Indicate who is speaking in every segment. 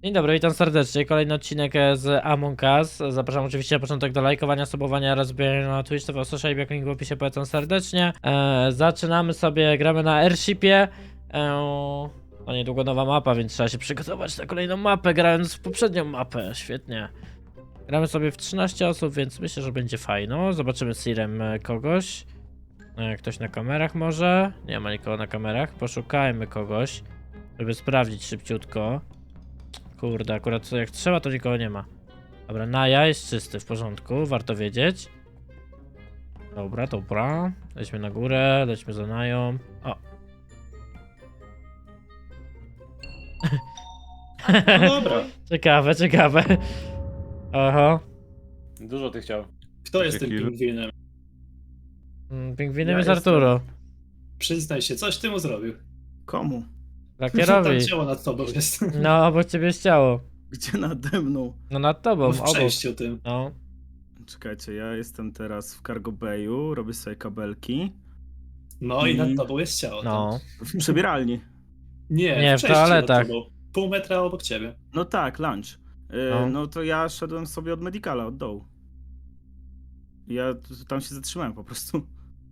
Speaker 1: Dzień dobry, witam serdecznie. Kolejny odcinek z Among Us. Zapraszam oczywiście na początek do lajkowania, subowania oraz wbijania na Twitch TV Social, jak link w opisie, polecam serdecznie. Zaczynamy sobie, gramy na Airshipie. No niedługo nowa mapa, więc trzeba się przygotować na kolejną mapę, grając w poprzednią mapę. Świetnie. Gramy sobie w 13 osób, więc myślę, że będzie fajno. Zobaczymy z Sirem kogoś. Ktoś na kamerach może? Nie ma nikogo na kamerach. Poszukajmy kogoś, żeby sprawdzić szybciutko. Kurde, akurat jak trzeba, to nikogo nie ma. Dobra, Naja jest czysty, w porządku, warto wiedzieć. Dobra, dobra. Lećmy na górę, lećmy za Nają. O!
Speaker 2: No dobra.
Speaker 1: Ciekawe, ciekawe. Oho.
Speaker 3: Dużo ty chciał.
Speaker 2: Kto jest tym pingwinem?
Speaker 1: Pingwinem
Speaker 2: Ja
Speaker 1: jest
Speaker 2: jestem.
Speaker 1: Arturo.
Speaker 2: Przyznaj się, coś ty mu zrobił.
Speaker 4: Komu?
Speaker 2: Tam
Speaker 1: Lakierowi.
Speaker 2: ciało nad tobą jest.
Speaker 1: No, obok ciebie jest ciało.
Speaker 4: Gdzie nade mną?
Speaker 1: No nad tobą,
Speaker 2: W
Speaker 1: obok.
Speaker 2: przejściu tym.
Speaker 1: No.
Speaker 4: Czekajcie, ja jestem teraz w Cargo Bayu, robię sobie kabelki.
Speaker 2: No i nad tobą jest ciało.
Speaker 1: No.
Speaker 4: W przebieralni.
Speaker 1: Nie, w
Speaker 2: przejściu
Speaker 1: toaletach.
Speaker 2: nad tobą. Pół metra obok ciebie.
Speaker 4: No tak, lunch.
Speaker 1: No.
Speaker 4: No to ja szedłem sobie od medicala, od dołu. Ja tam się zatrzymałem po prostu.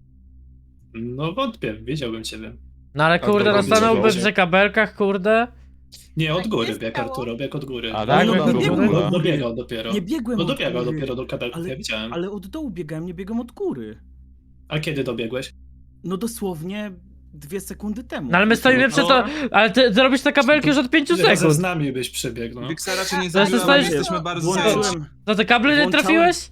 Speaker 2: No wątpię, wiedziałbym ciebie.
Speaker 1: No ale kurde,
Speaker 2: dobra,
Speaker 1: stanąłbym
Speaker 2: wiecie.
Speaker 1: przy kabelkach, kurde.
Speaker 2: Nie, od góry
Speaker 5: jest
Speaker 2: bieg
Speaker 5: ciało?
Speaker 2: Arturo, bieg od góry.
Speaker 3: A,
Speaker 1: tak?
Speaker 4: no,
Speaker 1: Bieg od
Speaker 4: biegłem
Speaker 1: góry?
Speaker 4: od góry.
Speaker 2: Dobiegał dopiero.
Speaker 4: Nie biegłem
Speaker 2: No
Speaker 4: od
Speaker 2: dobiegał
Speaker 4: góry.
Speaker 2: dopiero do kabelków, ja widziałem.
Speaker 4: Ale od dołu biegałem, nie biegłem od góry.
Speaker 2: A kiedy dobiegłeś?
Speaker 4: No dosłownie 2 sekundy temu.
Speaker 1: No ale my stoimy przed to. Ale ty robisz te kabelki już od 5
Speaker 2: Ile razy
Speaker 1: sekund.
Speaker 2: z nami byś przebiegł, no.
Speaker 6: Wiksa raczej nie
Speaker 1: Zresztą
Speaker 6: zabiła, ale
Speaker 1: stoisz-
Speaker 6: jesteśmy bardzo zależni.
Speaker 4: Włączyłem,
Speaker 1: No te kable nie
Speaker 4: Włączałem-
Speaker 1: trafiłeś?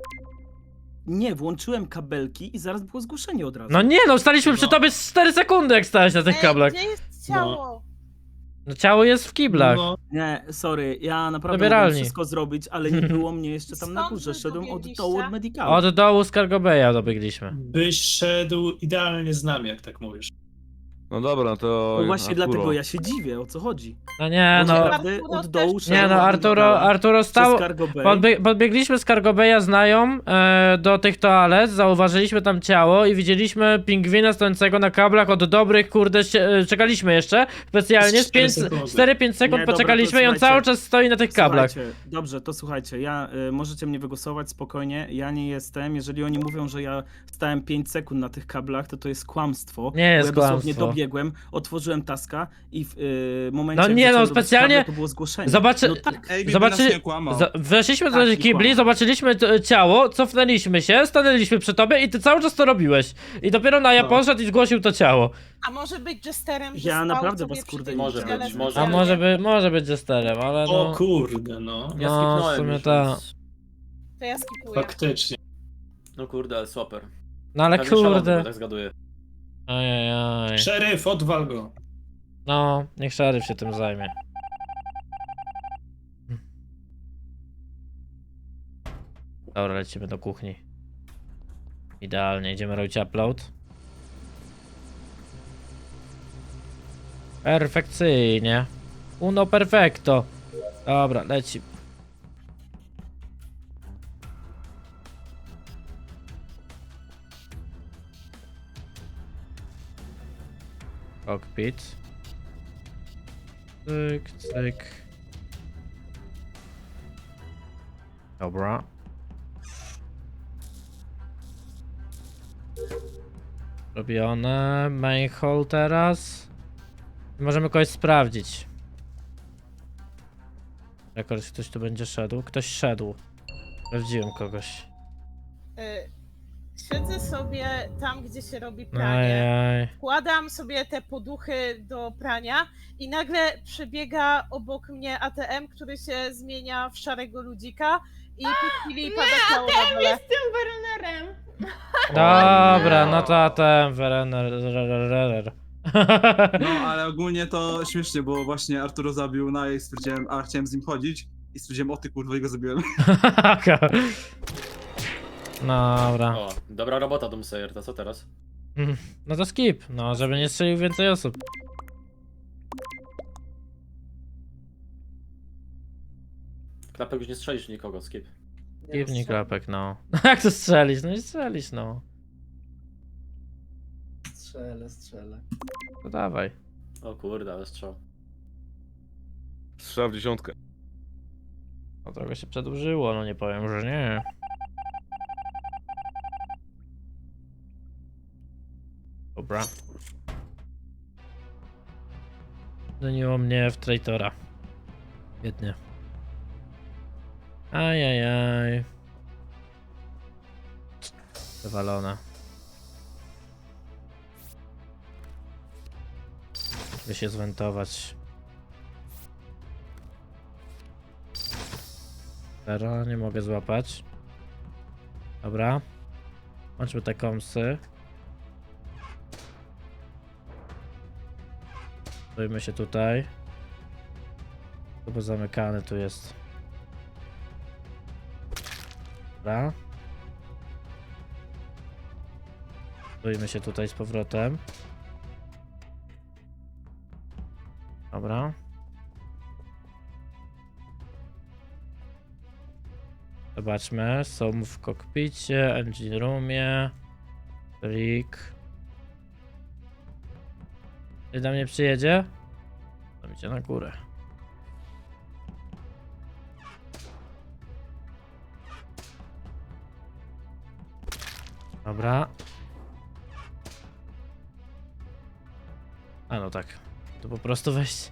Speaker 4: nie, włączyłem kabelki i zaraz było zgłoszenie od razu.
Speaker 1: No nie no, staliśmy przy
Speaker 2: No.
Speaker 1: tobie z 4 sekundy, jak stałeś na tych kablach.
Speaker 5: Gdzie jest ciało?
Speaker 1: No ciało jest w kiblach.
Speaker 2: No,
Speaker 4: Nie, sorry, ja naprawdę
Speaker 1: Zabieralni.
Speaker 4: mogłem wszystko zrobić, ale nie było mnie jeszcze tam na
Speaker 5: Skąd
Speaker 4: górze.
Speaker 5: wy
Speaker 4: Szedłem od
Speaker 5: dobiegliście?
Speaker 4: dołu od medicala.
Speaker 1: Od dołu z Cargo Bay'a dobiegliśmy.
Speaker 2: byś szedł idealnie z nami, jak tak mówisz.
Speaker 7: No dobra, to.
Speaker 4: No właśnie
Speaker 7: Arturo.
Speaker 4: dlatego ja się dziwię, o co chodzi.
Speaker 1: No nie
Speaker 4: Bo
Speaker 1: no.
Speaker 4: naprawdę
Speaker 5: Arturo
Speaker 4: od dołu
Speaker 5: też-
Speaker 1: Nie
Speaker 4: szedłem
Speaker 1: no,
Speaker 4: od
Speaker 1: Arturo
Speaker 4: medicala
Speaker 1: stał.
Speaker 4: przez Cargo Bay.
Speaker 1: Podbiegliśmy z Cargo Bay'a z Nają do tych toalet, zauważyliśmy tam ciało i widzieliśmy pingwina stojącego na kablach od dobrych, kurde, czekaliśmy jeszcze specjalnie z
Speaker 2: 4 sekundy.
Speaker 1: 4-5 sekund
Speaker 4: Nie, dobra,
Speaker 1: poczekaliśmy i
Speaker 4: to
Speaker 1: on cały
Speaker 4: słuchajcie.
Speaker 1: czas stoi na tych kablach.
Speaker 4: Słuchajcie, dobrze, to słuchajcie, możecie mnie wygłosować spokojnie, ja nie jestem, jeżeli oni mówią, że ja stałem 5 sekund na tych kablach, to jest kłamstwo.
Speaker 1: Nie jest
Speaker 4: bo ja dosłownie
Speaker 1: kłamstwo.
Speaker 4: dobiegłem, otworzyłem taska i w momencie,
Speaker 1: No
Speaker 4: jak
Speaker 1: nie, no,
Speaker 4: zacząłem robić
Speaker 1: specjalnie-
Speaker 4: kable, to było zgłoszenie.
Speaker 1: Zobaczy-
Speaker 4: No tak.
Speaker 6: Ej,
Speaker 1: Zobaczy-
Speaker 6: nas nie kłamał.
Speaker 1: Weszliśmy do
Speaker 4: Tak,
Speaker 1: tych
Speaker 4: i
Speaker 1: kibli,
Speaker 4: kłamał.
Speaker 1: zobaczyliśmy ciało, cofnęliśmy się, stanęliśmy przy tobie i ty cały czas to robiłeś. I dopiero Naja
Speaker 2: No.
Speaker 1: poszedł i zgłosił to ciało.
Speaker 5: A może być jesterem, że
Speaker 4: Ja
Speaker 5: stał
Speaker 4: naprawdę
Speaker 5: sobie
Speaker 4: was,
Speaker 5: przy
Speaker 4: kurde,
Speaker 5: tym
Speaker 4: nie
Speaker 3: Może
Speaker 5: ciele
Speaker 3: być,
Speaker 5: specjalnie?
Speaker 3: może.
Speaker 1: A może być jesterem, ale
Speaker 2: O
Speaker 1: no.
Speaker 2: kurde, no.
Speaker 3: Ja
Speaker 1: No,
Speaker 3: skipnąłem
Speaker 1: w sumie
Speaker 3: już,
Speaker 1: tak.
Speaker 3: więc-
Speaker 5: To ja skipuję.
Speaker 2: Faktycznie.
Speaker 3: No kurde, ale super.
Speaker 1: No ale
Speaker 3: Pewnie szalony,
Speaker 1: kurde.
Speaker 3: bo tak zgaduję.
Speaker 1: Ajajaj.
Speaker 2: Szeryf, odwal go.
Speaker 1: No, niech szeryf się tym zajmie. Dobra, lecimy do kuchni. Idealnie, idziemy robić upload. Perfekcyjnie. Uno perfecto. Dobra, leci. Cockpit. Cyk, cyk. Dobra. Robione. Main hall teraz. Możemy kogoś sprawdzić. Jak ktoś tu będzie szedł? Ktoś szedł. Sprawdziłem kogoś.
Speaker 5: Siedzę sobie tam, gdzie się robi pranie.
Speaker 1: Ajaj.
Speaker 5: Wkładam sobie te poduchy do prania i nagle przebiega obok mnie ATM, który się zmienia w szarego ludzika i po chwili pada ciało na dole.
Speaker 1: Dobra, no to ten Werener.
Speaker 6: No, ale ogólnie to śmiesznie, bo właśnie Arturo zabił na i stwierdziłem, a chciałem z nim chodzić i stwierdziłem, o ty kurwa, i go zabiłem.
Speaker 1: Dobra.
Speaker 3: O, dobra robota, Doomsayer, to co teraz?
Speaker 1: No to skip, no żeby nie strzelił więcej osób.
Speaker 3: Klapek już nie strzelisz nikogo, skip.
Speaker 1: Skipnij klapek, no. Jak to strzelić? No i strzelić, no.
Speaker 8: Strzelę.
Speaker 1: To dawaj.
Speaker 3: O kurde, ale strzał.
Speaker 7: strzał w dziesiątkę.
Speaker 1: No trochę się przedłużyło, no nie powiem, że nie. Dobra. Zamieniło mnie w traitora. Biednie. Ajajaj. Zawalona. By się zwentować. Zero, nie mogę złapać. Dobra. Łączmy te komsy. Stójmy się tutaj. To bo zamykany tu jest. Dobra. Stójmy się tutaj z powrotem. Dobra. Zobaczmy, są w kokpicie, engine roomie, Rick. Czy do mnie przyjedzie? To idzie na górę. Dobra. A no tak. To po prostu wejść.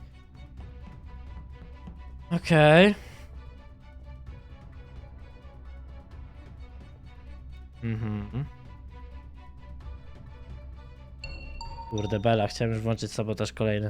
Speaker 1: Okej. Mhm. Kurde bela, chciałem już włączyć sabotaż kolejny.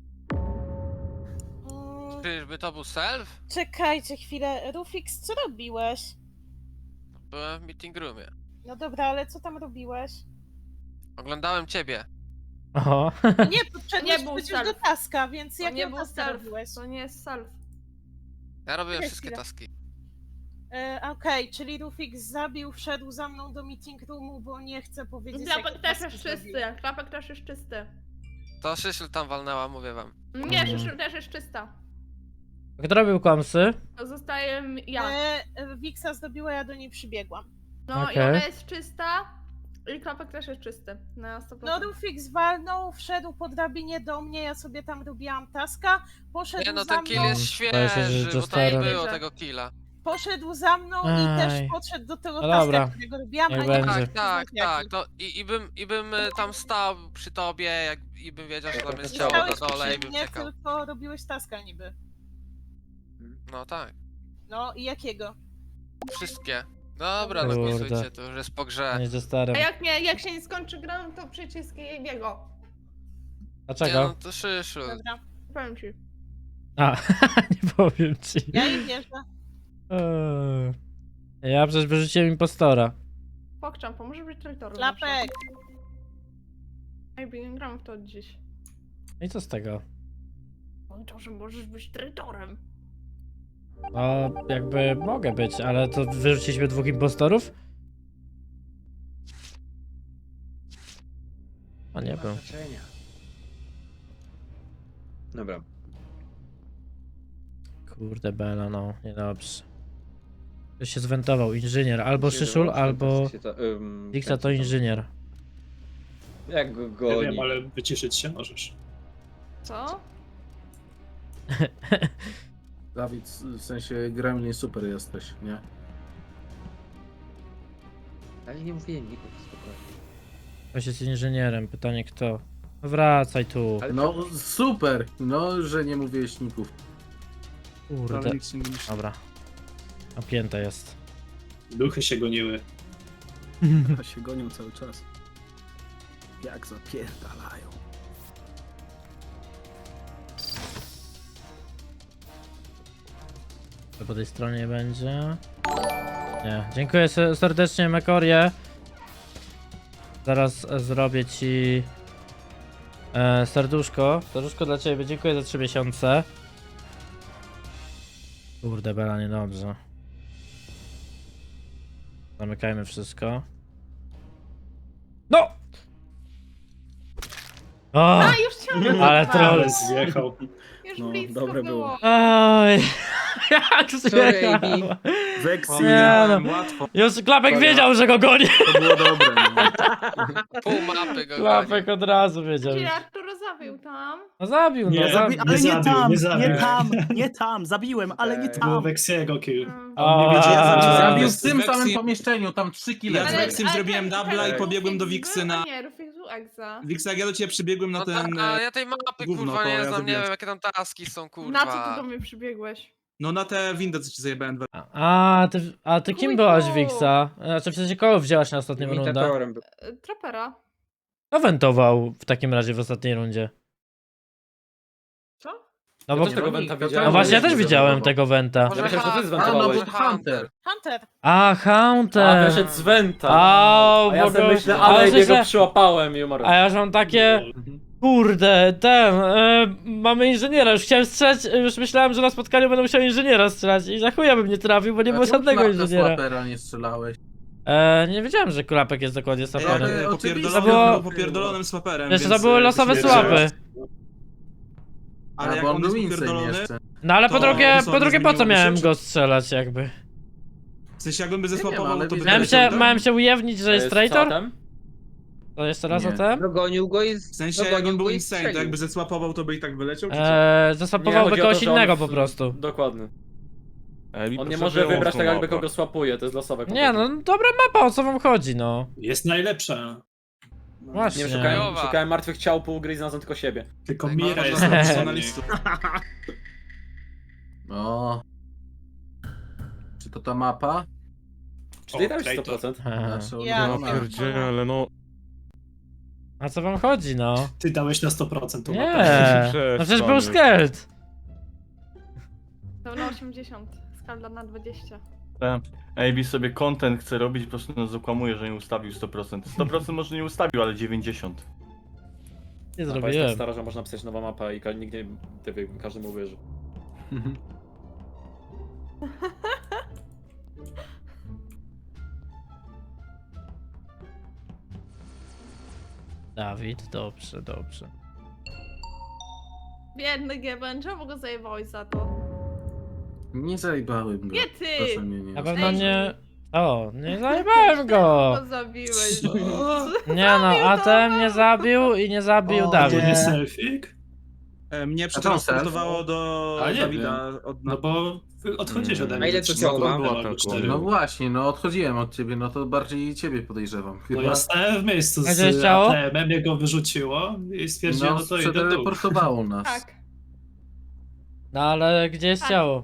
Speaker 8: Czyżby to był self?
Speaker 5: Czekajcie chwilę. Rufix, co robiłeś?
Speaker 8: Byłem w meeting roomie.
Speaker 5: No dobra, ale co tam robiłeś?
Speaker 8: Oglądałem ciebie.
Speaker 1: Oho.
Speaker 5: Nie, podszedłeś
Speaker 9: Nie był
Speaker 5: przecież
Speaker 9: self.
Speaker 5: do taska, więc
Speaker 9: To
Speaker 5: jak
Speaker 9: nie był
Speaker 5: taska
Speaker 9: self,
Speaker 5: robiłeś?
Speaker 9: to nie jest self.
Speaker 8: Ja robiłem
Speaker 5: Czekaj
Speaker 8: wszystkie
Speaker 5: chwilę.
Speaker 8: taski.
Speaker 5: Okej, czyli Rufix zabił, wszedł za mną do meeting roomu, bo nie chce powiedzieć,
Speaker 9: Klapek
Speaker 5: jakie
Speaker 9: też
Speaker 5: taski
Speaker 9: jest
Speaker 5: zrobił.
Speaker 9: czysty, klapek też jest czysty.
Speaker 8: To Szyszel tam walnęła, mówię wam.
Speaker 9: Nie,
Speaker 1: Mhm.
Speaker 9: Szyszyl też jest czysta.
Speaker 1: Kto robił komsy?
Speaker 9: To zostaje ja.
Speaker 5: Wiksa zdobiła, ja do niej przybiegłam.
Speaker 9: No i
Speaker 1: Okej.
Speaker 9: ona jest czysta i klapek też jest czysty. Na 100%.
Speaker 5: No Rufix walnął, wszedł po drabinie do mnie, ja sobie tam robiłam taska, poszedł
Speaker 8: Nie no,
Speaker 5: za
Speaker 8: ten kill
Speaker 5: mną,
Speaker 8: jest
Speaker 1: Boję się, że
Speaker 8: świeży, bo to nie
Speaker 1: Josterem.
Speaker 8: było tego killa.
Speaker 5: poszedł za mną i
Speaker 1: Aj.
Speaker 5: też podszedł do tego
Speaker 1: No
Speaker 5: taska,
Speaker 1: dobra.
Speaker 5: którego robiłam,
Speaker 1: Niech
Speaker 5: a nie
Speaker 1: będzie.
Speaker 5: pamiętam,
Speaker 8: Tak,
Speaker 5: jaki.
Speaker 8: tak. To i bym tam stał przy tobie, i bym wiedział, że tam jest
Speaker 5: Nie
Speaker 8: ciało
Speaker 5: stałeś
Speaker 8: na dole i
Speaker 5: przy
Speaker 8: bym
Speaker 5: mnie,
Speaker 8: czekał.
Speaker 5: tylko robiłeś taska niby.
Speaker 8: No tak.
Speaker 5: No i jakiego?
Speaker 8: Wszystkie. Dobra, no
Speaker 1: Kurde.
Speaker 8: głosujcie, to już jest po grze.
Speaker 1: Nie ze starym.
Speaker 9: A jak się nie skończy gra, no to przycisk jego.
Speaker 8: Nie no,
Speaker 1: Dlaczego?
Speaker 8: to Szyszel.
Speaker 5: Dobra,
Speaker 9: Powiem ci.
Speaker 1: A, nie powiem ci.
Speaker 5: ja im wierzę.
Speaker 1: Ja przecież wyrzuciłem impostora.
Speaker 9: Pokczam, pomoże być traitorem.
Speaker 5: Klapek!
Speaker 9: Ej, nie gram w to od dziś.
Speaker 1: No i co z tego?
Speaker 9: Powiedział, że możesz być traitorem.
Speaker 1: No, jakby mogę być, ale to wyrzuciliśmy dwóch impostorów? A nie był.
Speaker 10: Dobra.
Speaker 1: Kurde bela, no, niedobrze. Ktoś się zwentował, inżynier, albo Szyszul, albo Dixa to inżynier.
Speaker 10: Jak go
Speaker 2: Nie
Speaker 10: goni.
Speaker 2: wiem, ale wyciszyć się możesz.
Speaker 9: Co?
Speaker 11: Dawid, w sensie gremlin super jesteś, nie?
Speaker 10: Ale nie mówiłem niku, spokojnie.
Speaker 1: Ktoś jest inżynierem, pytanie kto? No wracaj tu.
Speaker 10: Ale
Speaker 11: No super, no że nie mówiłeś ników.
Speaker 1: Kurde.
Speaker 6: Ale nikt się nie myśli.
Speaker 1: Dobra. Napięte jest.
Speaker 2: Duchy się goniły.
Speaker 4: A się gonią cały czas. Jak zapierdalają.
Speaker 1: To po tej stronie będzie. Nie. Dziękuję serdecznie, Mekorie. Zaraz zrobię ci serduszko. Serduszko dla ciebie. Dziękuję za 3 miesiące. Kurde, bela, niedobrze. Zamykajmy wszystko. No! O!
Speaker 9: A, już chciałam
Speaker 1: Ale troll.
Speaker 2: Ale zjechał.
Speaker 9: Już
Speaker 4: No,
Speaker 9: blisko
Speaker 4: dobre
Speaker 9: było.
Speaker 1: Oj! Jak
Speaker 10: Sorry,
Speaker 1: zjechał!
Speaker 10: AB.
Speaker 4: Weksy,
Speaker 1: Nie, no.
Speaker 6: Łatwo.
Speaker 1: Już Klapek wiedział, że go goni.
Speaker 4: to było dobre. No.
Speaker 8: Pół mapy go goni.
Speaker 1: Klapek od razu wiedział.
Speaker 9: Czyli Arturo zabił tam.
Speaker 1: No zabił, no
Speaker 2: Nie,
Speaker 1: zabił.
Speaker 4: Ale nie
Speaker 2: zabił,
Speaker 4: tam,
Speaker 2: nie zabił.
Speaker 4: nie tam, nie tam, zabiłem, ale nie
Speaker 2: To było
Speaker 4: tam.
Speaker 2: Weksiego kill.
Speaker 1: O,
Speaker 2: On nie wiedział, co ci
Speaker 11: Zabił
Speaker 2: zabił.
Speaker 11: w tym
Speaker 6: Vexi-
Speaker 11: samym pomieszczeniu, tam 3 kile.
Speaker 6: Ja z
Speaker 9: Ale-
Speaker 6: Vexim
Speaker 9: ale
Speaker 6: zrobiłem
Speaker 9: ten-
Speaker 6: dubla i
Speaker 9: ten
Speaker 6: pobiegłem do
Speaker 9: Rufix
Speaker 6: Wiksy
Speaker 9: był?
Speaker 6: na...
Speaker 9: A nie, Rufix był Exa.
Speaker 6: Wiksa, jak ja do ciebie przybiegłem na
Speaker 8: No
Speaker 6: ten...
Speaker 8: a ja tej mapy
Speaker 6: gówno,
Speaker 8: kurwa
Speaker 6: to
Speaker 8: nie
Speaker 6: ja
Speaker 8: znam, nie
Speaker 6: zabiłem.
Speaker 8: wiem jakie tam taski są kurwa.
Speaker 9: Na co ty do mnie przybiegłeś?
Speaker 6: No na te windę, co ci zajebałem.
Speaker 1: A ty kim
Speaker 9: Kujku.
Speaker 1: byłaś, Wixa? Znaczy w sensie kogo wzięłaś na ostatnią rundę?
Speaker 10: Imitatorem był.
Speaker 9: Trapera.
Speaker 1: Kto wentował w takim razie w ostatniej rundzie?
Speaker 9: Co?
Speaker 1: No
Speaker 3: Ja
Speaker 1: bo...
Speaker 3: też tego wenta
Speaker 11: No
Speaker 3: widziałem.
Speaker 1: No właśnie, ja
Speaker 11: jest
Speaker 1: też widziałem
Speaker 11: zdenerwował.
Speaker 1: tego wenta.
Speaker 8: Może
Speaker 3: Ja myślałem, że ty
Speaker 8: Hunter.
Speaker 11: A, no
Speaker 3: zwentowałeś.
Speaker 11: bo to Hunter.
Speaker 5: Hunter.
Speaker 1: A,
Speaker 3: A,
Speaker 1: Hunter!
Speaker 3: wyszedł z wenta.
Speaker 1: A,
Speaker 3: A ja
Speaker 1: bo
Speaker 3: sobie
Speaker 1: go-
Speaker 3: myślę,
Speaker 1: ale
Speaker 3: ale
Speaker 1: myślę-
Speaker 3: jego przyłapałem i umarłem.
Speaker 1: A ja już mam takie... Kurde, mamy inżyniera, już chciałem strzelać, już myślałem, że na spotkaniu będę musiał inżyniera strzelać i za chuja bym nie trafił, bo nie było
Speaker 11: A czemu
Speaker 1: żadnego
Speaker 11: klapka
Speaker 1: inżyniera.
Speaker 11: Swapera nie strzelałeś?
Speaker 1: Nie wiedziałem, że Klapek jest dokładnie saperem.
Speaker 11: Ale oczywiście.
Speaker 1: To było-
Speaker 6: Popierdolonym swaperem,
Speaker 1: Wiesz, to
Speaker 6: więc,
Speaker 1: były losowe
Speaker 6: się
Speaker 1: słapy.
Speaker 6: wiesz.
Speaker 11: A,
Speaker 6: Ale jak
Speaker 11: bo on
Speaker 6: on
Speaker 11: był
Speaker 6: jest
Speaker 11: insane
Speaker 6: popierdolony,
Speaker 11: jeszcze.
Speaker 1: No ale po
Speaker 6: To
Speaker 1: drugie,
Speaker 6: co,
Speaker 1: po drugie po co
Speaker 6: zmieniłoby się,
Speaker 1: miałem
Speaker 6: czy-
Speaker 1: go strzelać jakby?
Speaker 6: w sensie jakbym by
Speaker 11: Nie wiem,
Speaker 6: zesłapował,
Speaker 11: ale
Speaker 6: to by
Speaker 11: widziałem
Speaker 6: doleciał, tak?
Speaker 1: Miałem się ujawnić, że jest traitor?
Speaker 3: Tam?
Speaker 1: To jeszcze raz
Speaker 11: Nie.
Speaker 1: o tym?
Speaker 10: Dogonił go i...
Speaker 6: W sensie
Speaker 10: dogonił
Speaker 6: jakbym był
Speaker 10: go i
Speaker 6: insane, to
Speaker 10: strzelił.
Speaker 6: jakby zesłapował, to by i tak wyleciał, czy co?
Speaker 3: Nie,
Speaker 1: Zasłapowałby
Speaker 3: chodzi o
Speaker 1: kogoś
Speaker 3: to, że on
Speaker 1: innego
Speaker 3: w-
Speaker 1: po prostu.
Speaker 3: Dokładnie.
Speaker 7: Ej, mi
Speaker 3: On nie
Speaker 7: potrzebuje
Speaker 3: może wybrać tak
Speaker 7: mocno
Speaker 3: jakby
Speaker 7: mapa.
Speaker 3: kogo swapuje, to jest losowe.
Speaker 1: Nie
Speaker 3: kompletnie.
Speaker 1: no, dobra mapa, o co wam chodzi no?
Speaker 2: Jest najlepsza.
Speaker 1: Właśnie.
Speaker 3: Nie szukałem martwych ciał pół gry i znalazłem tylko siebie.
Speaker 2: Tylko
Speaker 8: Tak,
Speaker 2: Mira
Speaker 8: no,
Speaker 2: jest
Speaker 8: no,
Speaker 2: lepsza.
Speaker 6: Profesjonalistów.
Speaker 11: No. Czy to ta mapa?
Speaker 3: Czy ty
Speaker 2: O,
Speaker 3: dałeś
Speaker 2: traitor.
Speaker 3: 100%?
Speaker 11: Nasza
Speaker 5: Ja
Speaker 11: ulubiona
Speaker 7: Ja
Speaker 11: mapa.
Speaker 7: pierdzielę, no.
Speaker 1: A co wam chodzi no?
Speaker 2: Ty dałeś na 100% tą mapę.
Speaker 1: Nie, no przecież był skelt.
Speaker 9: To na 80. Skala na 20.
Speaker 12: AB sobie content chce robić, po prostu nas okłamuje, że nie ustawił 100%. 100% może nie ustawił, ale 90%.
Speaker 1: Nie
Speaker 3: Mapa jest tak
Speaker 1: zrobiłem.
Speaker 3: stara, że można pisać nowa mapa i nikt nie... każdy mu uwierzy.
Speaker 1: Dawid, dobrze, dobrze.
Speaker 9: Biedny Geben, czemu go zajebałeś za to?
Speaker 11: Nie zajebałem go.
Speaker 9: Nie ty!
Speaker 11: Proszę mnie nie
Speaker 1: Na pewno
Speaker 9: Ej.
Speaker 1: nie... O, nie zajebałem go!
Speaker 9: Go zabiłeś.
Speaker 1: Nie no, ATM nie zabił i nie zabił
Speaker 11: O,
Speaker 1: Dawid.
Speaker 2: Nie selfik?
Speaker 6: Mnie
Speaker 11: A to
Speaker 6: przetransportowało do
Speaker 2: A nie
Speaker 6: Dawida od...
Speaker 2: No bo wy odchodzisz ode mnie.
Speaker 10: A ile to ciało ma?
Speaker 2: Albo 4.
Speaker 11: No właśnie, no odchodziłem od ciebie, no to bardziej ciebie podejrzewam.
Speaker 2: No
Speaker 11: Chyba.
Speaker 2: ja stałem w miejscu
Speaker 1: A gdzie
Speaker 2: z
Speaker 1: ciało?
Speaker 2: ATM-em, mnie go wyrzuciło i stwierdziłem,
Speaker 11: No,
Speaker 2: no to idę w dół.
Speaker 11: przeteleportowało nas.
Speaker 9: Tak.
Speaker 1: No ale gdzie jest
Speaker 9: Tak.
Speaker 1: ciało?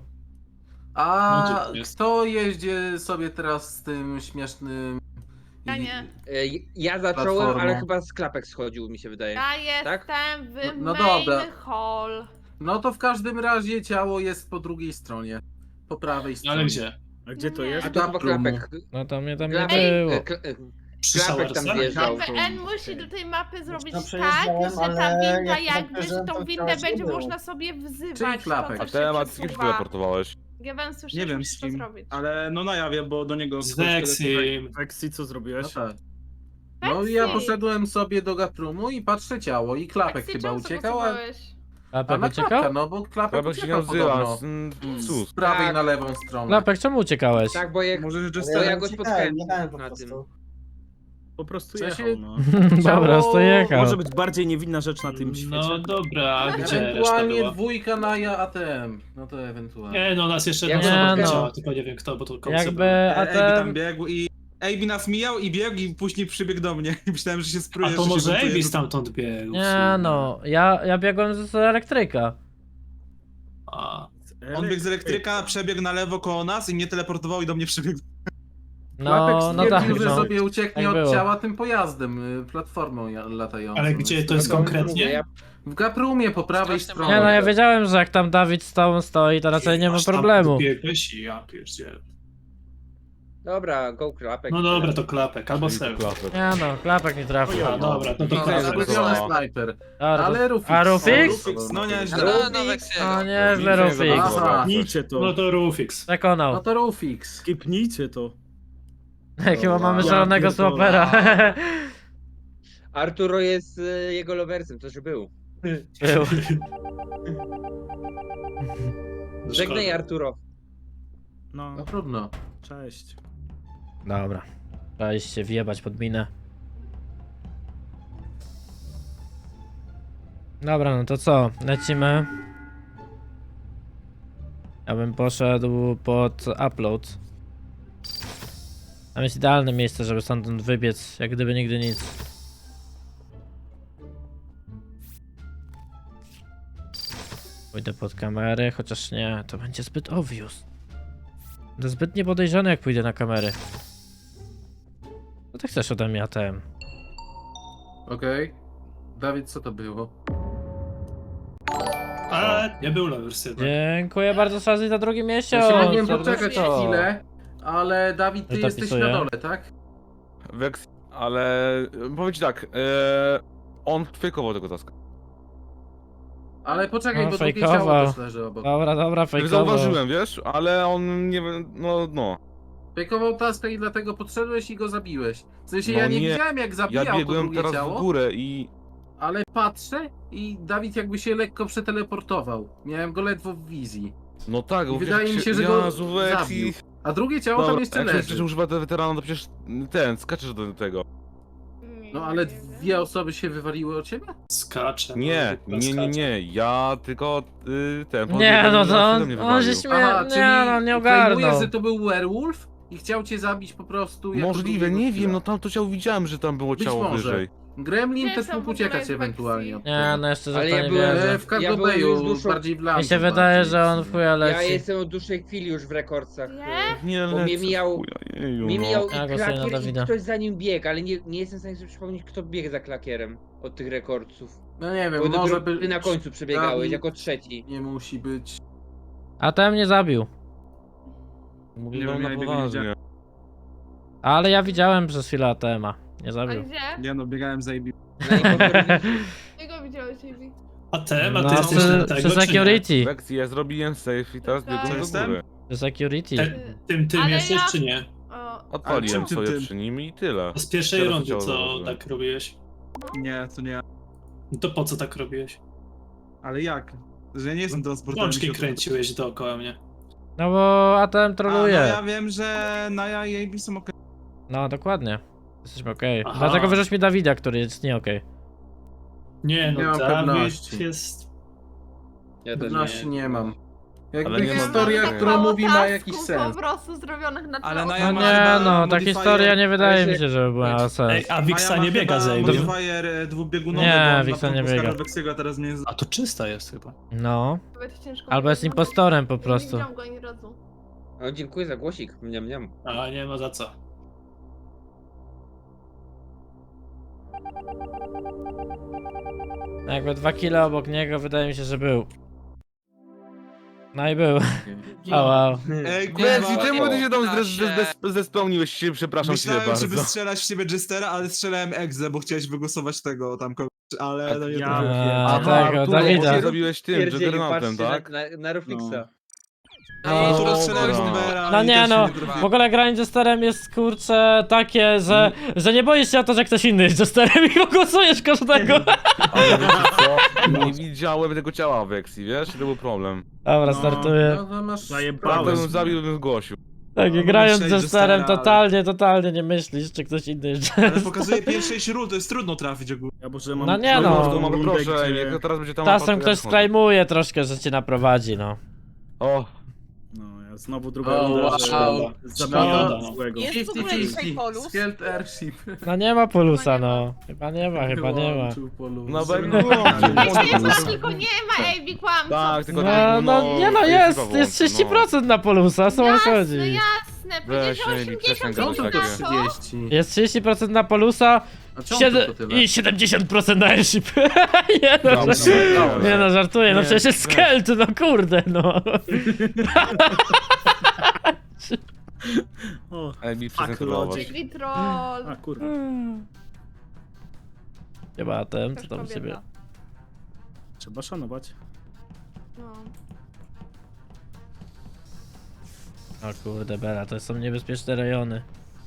Speaker 11: A
Speaker 2: No, gdzie to jest?
Speaker 11: kto jeździ sobie teraz z tym śmiesznym...
Speaker 9: Ja nie.
Speaker 10: Ja zacząłem,
Speaker 11: Platformą.
Speaker 10: ale chyba z klapek schodził, mi się wydaje.
Speaker 9: Ja jestem w
Speaker 11: No
Speaker 9: main
Speaker 11: dobra.
Speaker 9: hall.
Speaker 11: No to w każdym razie ciało jest po drugiej stronie. Po prawej stronie.
Speaker 2: Ale gdzie?
Speaker 4: A gdzie to
Speaker 9: Nie.
Speaker 4: jest?
Speaker 10: A to chyba klapek.
Speaker 1: No to mnie tam nie
Speaker 10: Klapek,
Speaker 1: było.
Speaker 2: Przy
Speaker 10: klapek tam
Speaker 2: showersach?
Speaker 10: wjeżdżał.
Speaker 9: GPN musi do tej mapy zrobić
Speaker 13: No,
Speaker 9: tak,
Speaker 13: przejeżdżałem,
Speaker 9: że ta
Speaker 13: ale
Speaker 9: winda
Speaker 13: jak
Speaker 9: jakby, że tą
Speaker 13: to
Speaker 9: windę
Speaker 13: wciąż nie
Speaker 9: będzie
Speaker 13: było.
Speaker 9: można sobie wzywać.
Speaker 11: Czyli klapek.
Speaker 9: To,
Speaker 7: A
Speaker 9: co się
Speaker 7: temat z kim się
Speaker 9: przesuwa.
Speaker 7: teleportowałeś?
Speaker 9: GPN słyszy,
Speaker 6: Nie wiem
Speaker 9: musisz
Speaker 6: z
Speaker 9: to
Speaker 6: kim,
Speaker 9: zrobić.
Speaker 6: ale no na jawie, bo do niego...
Speaker 2: Z
Speaker 6: ktoś
Speaker 2: Vexim.
Speaker 4: Weksy, co
Speaker 11: No
Speaker 4: zrobiłeś?
Speaker 11: tak. No i ja poszedłem sobie do Gatrumu i patrzę ciało i klapek
Speaker 9: Weksy,
Speaker 11: chyba
Speaker 9: czemu
Speaker 11: uciekał, a
Speaker 9: zagłosowałeś?
Speaker 1: Klapek
Speaker 11: na
Speaker 1: uciekał?
Speaker 11: klapka, no bo klapek
Speaker 7: Klapek się nie
Speaker 11: uciekał
Speaker 7: odzywa,
Speaker 11: podobno.
Speaker 7: sus.
Speaker 11: Z prawej
Speaker 10: Tak.
Speaker 11: na lewą stronę.
Speaker 1: Klapek, czemu uciekałeś?
Speaker 10: Tak, bo jak...
Speaker 6: Może że
Speaker 10: To ja go spotkałem
Speaker 13: Jechałem po
Speaker 10: na
Speaker 13: prostu.
Speaker 10: tym.
Speaker 4: Po prostu
Speaker 11: W sensie-
Speaker 4: jechał, no.
Speaker 1: Po prostu jechał.
Speaker 4: Może być bardziej niewinna rzecz na tym świecie.
Speaker 2: No dobra, a gdzie reszta
Speaker 11: Ewentualnie
Speaker 2: była?
Speaker 11: dwójka na ja ATM. No to ewentualnie.
Speaker 2: Nie no, nas jeszcze
Speaker 10: Ja
Speaker 2: jedna
Speaker 1: nie,
Speaker 2: osoba
Speaker 1: no.
Speaker 2: widziała, tylko nie wiem kto, bo to końce
Speaker 1: Jakby
Speaker 2: było.
Speaker 6: AB tam
Speaker 1: ATM...
Speaker 6: biegł i... AB nas mijał i biegł i później przybiegł do mnie. I myślałem, że się spruje,
Speaker 2: A to
Speaker 6: że się
Speaker 2: może
Speaker 6: buntuje.
Speaker 2: Avis stamtąd biegł. w
Speaker 1: Nie
Speaker 2: sumie.
Speaker 1: no, ja biegłem z elektryka.
Speaker 2: A,
Speaker 6: On biegł z elektryka, przebiegł na lewo koło nas i mnie teleportował i do mnie przybiegł.
Speaker 11: Klapek
Speaker 1: No tak,
Speaker 11: stwierdził, że
Speaker 1: no.
Speaker 11: sobie ucieknie
Speaker 1: Tak
Speaker 11: od
Speaker 1: było.
Speaker 11: ciała tym pojazdem, platformą latającą.
Speaker 2: ale gdzie to jest
Speaker 10: No to mówię,
Speaker 2: konkretnie?
Speaker 10: ja-
Speaker 11: W Gaprumie po prawej
Speaker 8: Strasznie
Speaker 11: stronie.
Speaker 1: Nie no, ja wiedziałem, że jak tam Dawid z tobą stoi, to raczej nie ma
Speaker 2: Aż tam
Speaker 1: problemu.
Speaker 2: Biegłeś i ja pierdzielę.
Speaker 10: Dobra, go klapek.
Speaker 2: No dobra, to klapek, albo self.
Speaker 7: Klapek.
Speaker 1: Nie no, Klapek nie trafił.
Speaker 2: A dobra, no to
Speaker 8: No,
Speaker 2: klapek.
Speaker 11: Ulubiony
Speaker 7: No.
Speaker 11: snajper.
Speaker 1: A,
Speaker 11: Ale Rufix.
Speaker 1: A Rufix?
Speaker 6: No nieźle.
Speaker 8: No, no
Speaker 1: No
Speaker 8: Weksiego.
Speaker 1: nieźle
Speaker 7: Nic nie
Speaker 1: Rufix.
Speaker 7: zabrało.
Speaker 11: Aha.
Speaker 4: Skipnijcie to.
Speaker 2: No to Rufix.
Speaker 11: No
Speaker 1: Przekonał.
Speaker 11: to Rufix.
Speaker 4: Skipnijcie to.
Speaker 1: Chyba mamy
Speaker 4: Ja
Speaker 1: szalonego
Speaker 4: pierdolę.
Speaker 1: swapera.
Speaker 10: Arturo jest jego loversem, to że był.
Speaker 1: Był.
Speaker 10: Żegnaj Arturo.
Speaker 4: No,
Speaker 11: No trudno.
Speaker 4: cześć.
Speaker 1: Dobra. Trzeba iść się wjebać pod minę. Dobra, no to co? Lecimy. Ja bym poszedł pod upload. Tam jest idealne miejsce, żeby stamtąd wybiec, jak gdyby nigdy nic. Pójdę pod kamerę, chociaż nie, to będzie zbyt obvious. To zbyt niepodejrzane, jak pójdę na kamery. Co ty chcesz ode mnie, ATM?
Speaker 11: Okej. Dawid, co to było?
Speaker 2: A, nie był loversy.
Speaker 1: Dziękuję bardzo, Shazzy, za drugi miesiąc.
Speaker 11: Ja się mogłem
Speaker 1: Za
Speaker 11: poczekać
Speaker 1: to.
Speaker 11: chwilę, ale Dawid, ty
Speaker 1: Ja to
Speaker 11: jesteś
Speaker 1: pisuję.
Speaker 11: na dole, tak?
Speaker 7: Wex, ale powiem ci tak, on fejkował tego taska.
Speaker 11: Ale poczekaj,
Speaker 1: No,
Speaker 11: bo drugie
Speaker 1: fejkował.
Speaker 11: ciało też leży obok.
Speaker 1: Dobra,
Speaker 7: Tak
Speaker 1: fejkowo.
Speaker 7: zauważyłem, wiesz, ale on nie wiem, no.
Speaker 11: Fejkował taskę i dlatego podszedłeś i go zabiłeś. W sensie
Speaker 7: No
Speaker 11: ja nie
Speaker 7: nie.
Speaker 11: widziałem jak
Speaker 7: Ja
Speaker 11: zabijał to
Speaker 7: biegłem
Speaker 11: drugie
Speaker 7: teraz
Speaker 11: ciało,
Speaker 7: w górę i...
Speaker 11: ale patrzę i Dawid jakby się lekko przeteleportował. Miałem go ledwo w wizji.
Speaker 7: No tak,
Speaker 11: I
Speaker 7: bo
Speaker 11: wydaje
Speaker 7: wiesz,
Speaker 11: mi się, że go
Speaker 7: Jezu, Wex
Speaker 11: zabił.
Speaker 7: i...
Speaker 11: A drugie ciało tam jeszcze
Speaker 7: jak się przecież
Speaker 11: leży.
Speaker 7: używa tego weterana, to przecież ten, skaczesz do tego.
Speaker 11: No ale dwie osoby się wywaliły od ciebie?
Speaker 2: Skacze.
Speaker 7: Nie,
Speaker 2: no,
Speaker 7: nie, ja tylko ten...
Speaker 1: Nie, no to
Speaker 7: ode mnie
Speaker 1: on się
Speaker 7: wywalił.
Speaker 1: śmieje,
Speaker 11: czyli
Speaker 1: nie no, nie
Speaker 11: claimujesz,
Speaker 1: ogarnął.
Speaker 11: że to był werewolf i chciał cię zabić po prostu jako
Speaker 7: Możliwe,
Speaker 11: drugiego
Speaker 7: nie
Speaker 11: killa.
Speaker 7: wiem, no tam to ciało widziałem, że tam było
Speaker 11: Być
Speaker 7: ciało
Speaker 11: może.
Speaker 7: wyżej.
Speaker 11: Gremlin
Speaker 9: Gdzie
Speaker 11: też
Speaker 9: są
Speaker 11: mógł
Speaker 9: w ogóle
Speaker 11: uciekać
Speaker 9: Weksy?
Speaker 11: ewentualnie od
Speaker 1: Nie,
Speaker 11: tego.
Speaker 1: no jeszcze że
Speaker 10: Ale
Speaker 1: to
Speaker 10: ja
Speaker 1: nie
Speaker 10: byłem-
Speaker 1: wierzę.
Speaker 11: W
Speaker 10: Ja byłem
Speaker 11: Cargobeju,
Speaker 10: już dużo-
Speaker 11: bardziej w
Speaker 1: Mi
Speaker 11: Lamsu
Speaker 1: się wydaje,
Speaker 11: bardziej.
Speaker 1: że on w chuja
Speaker 10: Ja
Speaker 1: leci.
Speaker 10: jestem od dłuższej chwili już w rekordcach.
Speaker 9: Nie?
Speaker 7: Nie,
Speaker 10: Bo mnie
Speaker 7: lecę,
Speaker 10: mijał-
Speaker 7: chuja, jeju,
Speaker 10: Mi
Speaker 7: no.
Speaker 10: mijał
Speaker 1: Ja
Speaker 10: i
Speaker 1: głosuję na
Speaker 10: klakier i
Speaker 1: Dawida.
Speaker 10: ktoś za nim biegł, ale nie jestem w stanie sobie przypomnieć, kto biegł za klakierem od tych rekordców.
Speaker 11: No nie
Speaker 10: Bo
Speaker 11: wiem, może
Speaker 10: dopiero
Speaker 11: by...
Speaker 10: ty na końcu przebiegałeś,
Speaker 11: Dawid
Speaker 10: jako trzeci.
Speaker 11: Nie musi być.
Speaker 1: A ten mnie zabił.
Speaker 7: Mówię
Speaker 6: Nie
Speaker 7: wam
Speaker 6: wiem,
Speaker 7: na
Speaker 6: ja tego nie
Speaker 7: poważnie.
Speaker 6: widziałem.
Speaker 1: Ale ja widziałem przez chwilę ATM-a. Nie
Speaker 9: A
Speaker 1: zabił.
Speaker 9: gdzie?
Speaker 6: Nie no, biegałem za AB.
Speaker 10: Na impostorze-
Speaker 9: Czego widziałeś, Ivy?
Speaker 2: A ty
Speaker 1: No,
Speaker 2: jesteś na tego,
Speaker 1: przy
Speaker 2: czy nie?
Speaker 1: security.
Speaker 7: Wex, ja zrobiłem safe i teraz
Speaker 9: Tak.
Speaker 7: biegłem do
Speaker 6: Jestem?
Speaker 7: góry.
Speaker 1: Przy security.
Speaker 2: Tym
Speaker 9: Ale
Speaker 2: jesteś,
Speaker 9: ja-
Speaker 2: czy nie?
Speaker 9: O,
Speaker 7: Odpaliłem
Speaker 6: czym ty
Speaker 7: sobie
Speaker 6: tym?
Speaker 7: przy nim i tyle.
Speaker 2: Z pierwszej
Speaker 7: Teraz
Speaker 2: rundy,
Speaker 7: ciało
Speaker 2: co
Speaker 7: zauważyłem.
Speaker 2: tak robiłeś?
Speaker 6: Nie, to nie ja.
Speaker 2: No to po co tak robiłeś?
Speaker 6: Ale jak? Że ja nie jestem transporterem.
Speaker 2: Łączki kręciłeś dookoła mnie.
Speaker 1: No bo ATM
Speaker 6: A, no
Speaker 1: troluje.
Speaker 6: ja wiem, że Naja i AB są okej.
Speaker 1: No dokładnie. Jesteśmy okej.
Speaker 2: Aha.
Speaker 1: Dlatego wyrzuć mi Dawida, który jest nie okej.
Speaker 2: Nie no,
Speaker 11: Nie mam
Speaker 2: Dawid
Speaker 11: pewności.
Speaker 2: jest...
Speaker 10: Ja też
Speaker 11: Pewności nie mam.
Speaker 7: Ale
Speaker 11: Jakby
Speaker 7: nie mam-
Speaker 11: historia,
Speaker 7: tak
Speaker 11: którą
Speaker 9: mało
Speaker 11: mówi, ma
Speaker 9: tasków
Speaker 11: jakiś sens.
Speaker 9: po prostu zrobionych na
Speaker 6: Ale
Speaker 9: tle
Speaker 6: na
Speaker 1: No
Speaker 6: ma
Speaker 1: nie
Speaker 6: chyba
Speaker 1: no, ta
Speaker 6: modifier-
Speaker 1: historia nie wydaje
Speaker 10: ale
Speaker 1: mi się, żeby była
Speaker 2: Ej,
Speaker 1: sens.
Speaker 2: a Wixa nie biega za AB.
Speaker 6: Modifier dwubiegunowy,
Speaker 1: Nie,
Speaker 6: bo on
Speaker 1: Wixa
Speaker 6: na
Speaker 1: nie
Speaker 6: początku
Speaker 1: biega.
Speaker 6: z Wexiego, a teraz mnie...
Speaker 2: A to czysta jest chyba.
Speaker 1: No.
Speaker 9: Będzie ciężko
Speaker 1: Albo jest
Speaker 9: powiedzieć.
Speaker 1: impostorem po
Speaker 9: Nie
Speaker 1: prostu.
Speaker 9: widziałam go ani razu.
Speaker 10: O, dziękuję za głosik. Mniam.
Speaker 2: A nie ma za co.
Speaker 1: Jakby 2 kilo obok niego, wydaje mi się, że był. No i był. O wow.
Speaker 6: Ej,
Speaker 7: Wex,
Speaker 6: kurwa.
Speaker 7: i czemu ty się tam
Speaker 8: Da się.
Speaker 7: zespełniłeś się, przepraszam cię
Speaker 6: Myślałem, żeby
Speaker 7: bardzo.
Speaker 6: strzelać w ciebie Jestera, ale strzelałem Egze, bo chciałeś wygłosować tego tam kogoś, ale no nie
Speaker 4: ja-
Speaker 6: trafiłem.
Speaker 1: A, tego,
Speaker 7: tu
Speaker 1: Dawida.
Speaker 7: się zrobiłeś tym,
Speaker 10: Pierdzieli,
Speaker 7: Juggernautem,
Speaker 10: patrzcie
Speaker 7: tak?
Speaker 10: na Rufixa.
Speaker 1: No,
Speaker 6: Kurwa,
Speaker 7: No,
Speaker 6: strzelałem w
Speaker 7: dobra.
Speaker 6: Timbera
Speaker 1: No
Speaker 6: i
Speaker 1: nie
Speaker 6: też
Speaker 1: no,
Speaker 6: trafiłem.
Speaker 1: w ogóle granie Jesterem jest kurcze takie, że nie boisz się o to, że ktoś inny jest Jesterem i głosujesz każdego.
Speaker 7: Ale wiecie co? Nie widziałem tego ciała w Vexi, wiesz? To był problem.
Speaker 1: Dobra,
Speaker 4: No.
Speaker 1: startuję.
Speaker 11: No to masz...
Speaker 4: Zajebałeś.
Speaker 7: Gdybym zabił, bym zgłosił.
Speaker 1: Tak,
Speaker 6: No,
Speaker 1: grając
Speaker 6: myślę, że
Speaker 1: Jesterem
Speaker 6: Jestera, ale-
Speaker 1: totalnie nie myślisz, czy ktoś inny jest
Speaker 6: Ale pokazuje pierwsze 6 ról, to jest trudno trafić ogólnie.
Speaker 4: Ja może mam
Speaker 1: No nie no.
Speaker 7: No,
Speaker 4: rundę,
Speaker 7: proszę,
Speaker 4: gdzie-
Speaker 7: jak to teraz będzie tam...
Speaker 1: Czasem ktoś sklejmuje troszkę, że cię naprowadzi, no.
Speaker 7: O,
Speaker 4: No, ja znowu druga
Speaker 11: O,
Speaker 4: runda,
Speaker 11: wow.
Speaker 4: że
Speaker 2: Szkoda,
Speaker 4: zabijam
Speaker 2: no.
Speaker 4: złego.
Speaker 5: Jest w ogóle dzisiaj polus?
Speaker 11: Skelt Airship.
Speaker 1: No nie ma polusa, no. Chyba nie ma.
Speaker 11: Wyłączył polus.
Speaker 7: no bo...
Speaker 9: Jest, tylko nie ma AB kłamców.
Speaker 7: Tak, tylko
Speaker 1: No,
Speaker 7: tak,
Speaker 1: no nie no, jest
Speaker 7: chyba
Speaker 1: jest
Speaker 7: włączę,
Speaker 1: 30% na polusa, o co wam
Speaker 9: Jasne,
Speaker 1: chodzi?
Speaker 9: jasne.
Speaker 7: Weź,
Speaker 9: Powiedział
Speaker 7: Amy, przestań
Speaker 9: 80,
Speaker 11: Co
Speaker 7: gadać
Speaker 11: to
Speaker 7: takie.
Speaker 11: 30?
Speaker 1: Jest 30% na polusa
Speaker 11: A czemu tylko tyle?
Speaker 1: i 70% na airship. Nie no,
Speaker 7: Dobra, dobra.
Speaker 1: nie no, żartuję, no
Speaker 11: Nie,
Speaker 1: przecież jest skelt, no kurde, no.
Speaker 4: O,
Speaker 7: Amy,
Speaker 4: fuck
Speaker 7: przestań
Speaker 4: logic.
Speaker 9: AB troll.
Speaker 4: A kurwa.
Speaker 1: Chyba ten, co
Speaker 9: Też
Speaker 1: tam
Speaker 9: kobieta.
Speaker 1: siebie.
Speaker 4: Trzeba szanować.
Speaker 9: No.
Speaker 1: O kurde Bela, to są niebezpieczne rejony.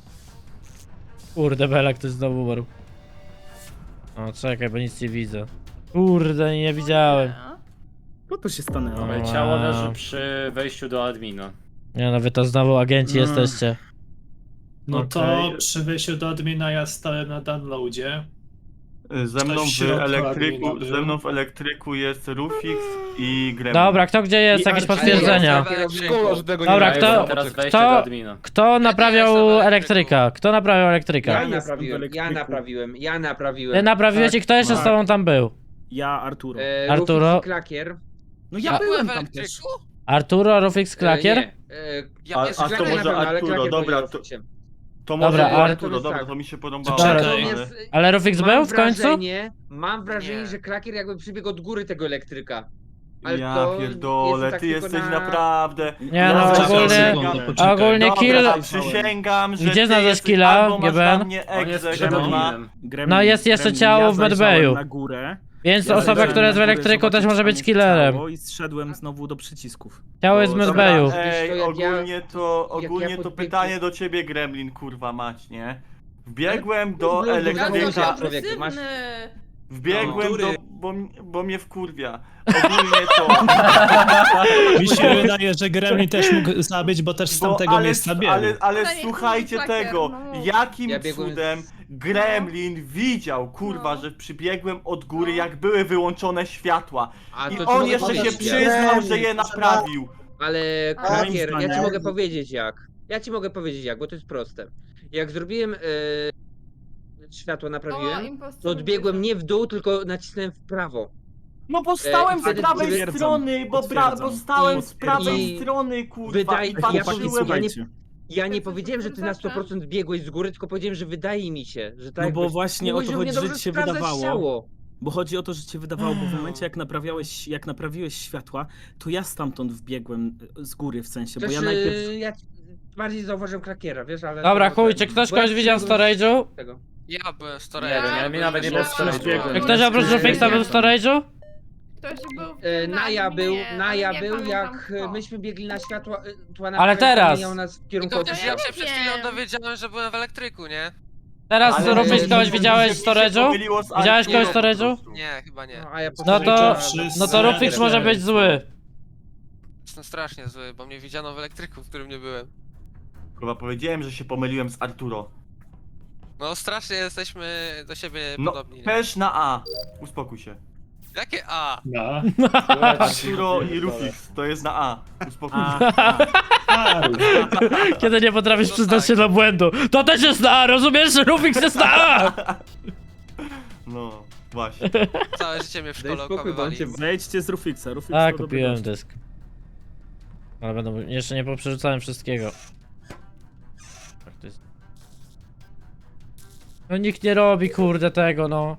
Speaker 1: Kurde Bela, ktoś znowu umarł. O czekaj, bo nic nie widzę. Kurde, nie widziałem.
Speaker 4: Co to się stanęło?
Speaker 1: Wow.
Speaker 13: Ciało leży przy wejściu do admina.
Speaker 1: Nie no, wy to znowu agenci
Speaker 4: No.
Speaker 1: jesteście.
Speaker 2: No to
Speaker 4: Okej.
Speaker 2: przy wejściu do admina ja stałem na downloadzie.
Speaker 12: Ze mną
Speaker 2: Ktoś w
Speaker 12: w
Speaker 2: środku
Speaker 12: elektryku,
Speaker 2: admina
Speaker 12: ze mną w elektryku jest Rufix i Gremlin.
Speaker 1: Dobra, kto gdzie jest?
Speaker 4: I
Speaker 1: Jakieś
Speaker 4: Archie.
Speaker 1: potwierdzenia?
Speaker 7: Szkoda, że tego
Speaker 1: Dobra,
Speaker 7: nie
Speaker 1: kto-
Speaker 7: ma.
Speaker 13: Teraz wejście
Speaker 1: kto-
Speaker 13: do admina.
Speaker 1: Kto naprawiał
Speaker 8: jestem w
Speaker 1: elektryka? Kto naprawiał elektryka?
Speaker 10: Ja
Speaker 4: jestem w
Speaker 10: naprawiłem, ja
Speaker 4: elektryku.
Speaker 10: naprawiłem, ja naprawiłem.
Speaker 1: Ty naprawiłeś i kto jeszcze z
Speaker 4: tak.
Speaker 1: tobą tam był?
Speaker 4: Ja, Arturo.
Speaker 1: Arturo?
Speaker 10: Rufix i Klakier.
Speaker 4: No
Speaker 8: Ja
Speaker 4: ja
Speaker 8: byłem
Speaker 4: byłem
Speaker 8: w
Speaker 4: tam też.
Speaker 8: elektryku?
Speaker 1: Arturo, Rufix, Klakier?
Speaker 10: Nie,
Speaker 8: Ja
Speaker 12: A-
Speaker 8: jestem
Speaker 12: a to
Speaker 10: Klakier
Speaker 12: może
Speaker 10: na pewno, ale
Speaker 12: Arturo,
Speaker 10: Klakier
Speaker 12: dobra,
Speaker 10: powiedział
Speaker 12: to-
Speaker 10: Rufixie.
Speaker 12: To może
Speaker 1: Dobra,
Speaker 12: było
Speaker 1: ale
Speaker 12: Arturo,
Speaker 10: to jest
Speaker 12: dobra,
Speaker 10: tak.
Speaker 12: to mi się podobało.
Speaker 2: Czekaj.
Speaker 12: ale-
Speaker 1: Ale Rufix był w końcu?
Speaker 10: Mam wrażenie,
Speaker 8: Nie.
Speaker 10: że Klakier jakby przybiegł od góry tego elektryka. Ale
Speaker 12: Ja
Speaker 10: to
Speaker 12: pierdolę,
Speaker 10: jest tak
Speaker 12: ty
Speaker 10: tylko
Speaker 12: jesteś
Speaker 10: na-
Speaker 12: naprawdę...
Speaker 1: Nie no,
Speaker 2: Czekaj,
Speaker 1: ogólnie,
Speaker 2: sekundę, poczekaj.
Speaker 1: ogólnie kill...
Speaker 12: Dobra, przysięgam, że
Speaker 1: Gdzie
Speaker 12: ty
Speaker 1: znalazłeś
Speaker 12: jesteś
Speaker 1: killa,
Speaker 12: albo masz
Speaker 1: GBN?
Speaker 12: na mnie
Speaker 13: On jest
Speaker 12: egzę,
Speaker 13: przed
Speaker 12: kurwa.
Speaker 13: adminem.
Speaker 4: Gremlin,
Speaker 1: No jest jeszcze
Speaker 4: Gremlin,
Speaker 1: ciało
Speaker 4: ja
Speaker 1: w
Speaker 4: zajrzałem
Speaker 1: medbayu.
Speaker 4: na górę.
Speaker 1: Więc
Speaker 4: Ja
Speaker 1: osoba,
Speaker 4: zajrzałem
Speaker 1: która jest w
Speaker 4: na górę,
Speaker 1: elektryku też
Speaker 4: zobaczyć,
Speaker 1: może
Speaker 4: czy tam
Speaker 1: być
Speaker 4: jest
Speaker 1: killerem.
Speaker 4: ciało I zszedłem znowu do przycisków.
Speaker 1: Ciało jest w
Speaker 4: Bo-
Speaker 1: medbayu.
Speaker 10: Wiesz co,
Speaker 12: Ej,
Speaker 10: jak ja-
Speaker 12: ogólnie to,
Speaker 10: jak
Speaker 12: ogólnie
Speaker 10: ja
Speaker 12: to
Speaker 10: podbiegłem-
Speaker 12: pytanie do ciebie, Gremlin, kurwa mać, nie? Wbiegłem do
Speaker 10: Ludzie,
Speaker 12: elektryka,
Speaker 10: człowiek, masz-
Speaker 12: wbiegłem
Speaker 6: No.
Speaker 12: do... bo mnie wkurwia. Ogólnie to...
Speaker 2: Mi się wydaje, że Gremlin też mógł zabić, bo też z tamtego
Speaker 12: ale,
Speaker 2: miejsca biegł.
Speaker 12: ale
Speaker 9: To nie
Speaker 12: słuchajcie
Speaker 9: jest Klakier,
Speaker 12: tego,
Speaker 9: no.
Speaker 12: jakim
Speaker 10: Ja biegłem
Speaker 12: cudem Gremlin widział, kurwa,
Speaker 9: No.
Speaker 12: że przybiegłem od góry, jak były wyłączone światła.
Speaker 10: A
Speaker 12: I
Speaker 10: to ci
Speaker 12: on
Speaker 10: mogę
Speaker 12: jeszcze się
Speaker 10: powiedzieć,
Speaker 12: przyznał, że je naprawił.
Speaker 10: Ale
Speaker 4: Moim
Speaker 10: Klakier, ja ci
Speaker 4: zdaniem-
Speaker 10: mogę powiedzieć jak. Ja ci mogę powiedzieć jak, bo to jest proste. Jak zrobiłem światło naprawiłem, to odbiegłem nie w dół, tylko nacisnąłem w prawo.
Speaker 12: No bo stałem
Speaker 10: i
Speaker 12: z
Speaker 10: wtedy
Speaker 12: prawej
Speaker 4: potwierdzam,
Speaker 12: strony, bo
Speaker 4: potwierdzam.
Speaker 12: stałem z prawej
Speaker 10: I-
Speaker 12: strony, kurwa,
Speaker 10: Wydaje-
Speaker 12: i
Speaker 10: ja
Speaker 12: patrzyłem...
Speaker 10: powiem-
Speaker 4: Słuchajcie.
Speaker 10: Ja nie
Speaker 9: To jest
Speaker 10: powiedziałem, że ty na 100% biegłeś z góry, tylko powiedziałem, że wydaje mi się, że tak.
Speaker 4: No bo
Speaker 10: jakbyś-
Speaker 4: właśnie o
Speaker 10: Mówisz,
Speaker 4: to
Speaker 10: że
Speaker 4: chodzi,
Speaker 10: mnie
Speaker 4: że
Speaker 10: dobrze
Speaker 4: ci się
Speaker 10: sprawdzać
Speaker 4: wydawało.
Speaker 10: ciało.
Speaker 4: Bo chodzi o to, że ci wydawało, bo w momencie jak naprawiłeś światła, to ja stamtąd wbiegłem z góry w sensie, bo
Speaker 10: Też,
Speaker 4: ja najpierw...
Speaker 10: ja bardziej zauważyłem Klakiera, wiesz, ale...
Speaker 1: Dobra,
Speaker 10: to-
Speaker 1: chuj, czy ktoś
Speaker 10: bo ja
Speaker 1: kogoś widział w
Speaker 10: przybiegłem
Speaker 1: storage'u?
Speaker 10: z tego.
Speaker 8: Ja byłem w
Speaker 13: Nie wiem, ja mi nawet nie było w storage'u.
Speaker 1: Czy ktoś oprócz Rufixa był w storage'u?
Speaker 9: Ktoś był
Speaker 10: Naja był,
Speaker 9: Naja
Speaker 10: jak myśmy biegli na światła...
Speaker 1: Ale teraz!
Speaker 10: Miał nas w
Speaker 8: I
Speaker 10: kierunku
Speaker 8: to też ja
Speaker 10: odbijał.
Speaker 8: się przed chwilą dowiedziałem, że byłem w elektryku, nie?
Speaker 1: Teraz
Speaker 12: Ale-
Speaker 1: Rufix kogoś
Speaker 12: że
Speaker 1: widziałeś w
Speaker 12: mi się
Speaker 1: storage'u?
Speaker 12: pomyliło z
Speaker 1: Widziałeś kogoś w
Speaker 12: Arturą po
Speaker 1: storage'u?
Speaker 12: prostu.
Speaker 8: Nie, chyba nie.
Speaker 10: No, a ja
Speaker 1: No to,
Speaker 2: Wszyscy
Speaker 1: no to Rufix może być zły.
Speaker 8: Jestem strasznie zły, bo mnie widziano w elektryku, w którym nie byłem.
Speaker 12: Kurwa, powiedziałem, że się pomyliłem z Arturo.
Speaker 8: No strasznie jesteśmy do siebie
Speaker 12: No,
Speaker 8: podobni, nie?
Speaker 12: też na A. Uspokój się.
Speaker 8: Jakie A?
Speaker 2: No.
Speaker 12: Arturo i Rufix, to jest na A. Uspokój się.
Speaker 2: A,
Speaker 1: Kiedy nie potrafisz
Speaker 8: No
Speaker 1: przyznać
Speaker 8: tak.
Speaker 1: się do błędu. To też jest na A, rozumiesz? Rufix jest na A!
Speaker 12: No, właśnie.
Speaker 8: Całe życie mnie w
Speaker 10: Daj
Speaker 8: szkole
Speaker 10: spokój, bo on
Speaker 8: okłamywali.
Speaker 10: cię...
Speaker 4: Zejdźcie z Rufixa, Rufix
Speaker 1: A,
Speaker 4: to dobry
Speaker 1: kupiłem
Speaker 4: gość.
Speaker 1: dysk. Ale będą, jeszcze nie poprzerzucałem wszystkiego. Tak to jest. No nikt nie robi, kurde, tego, no.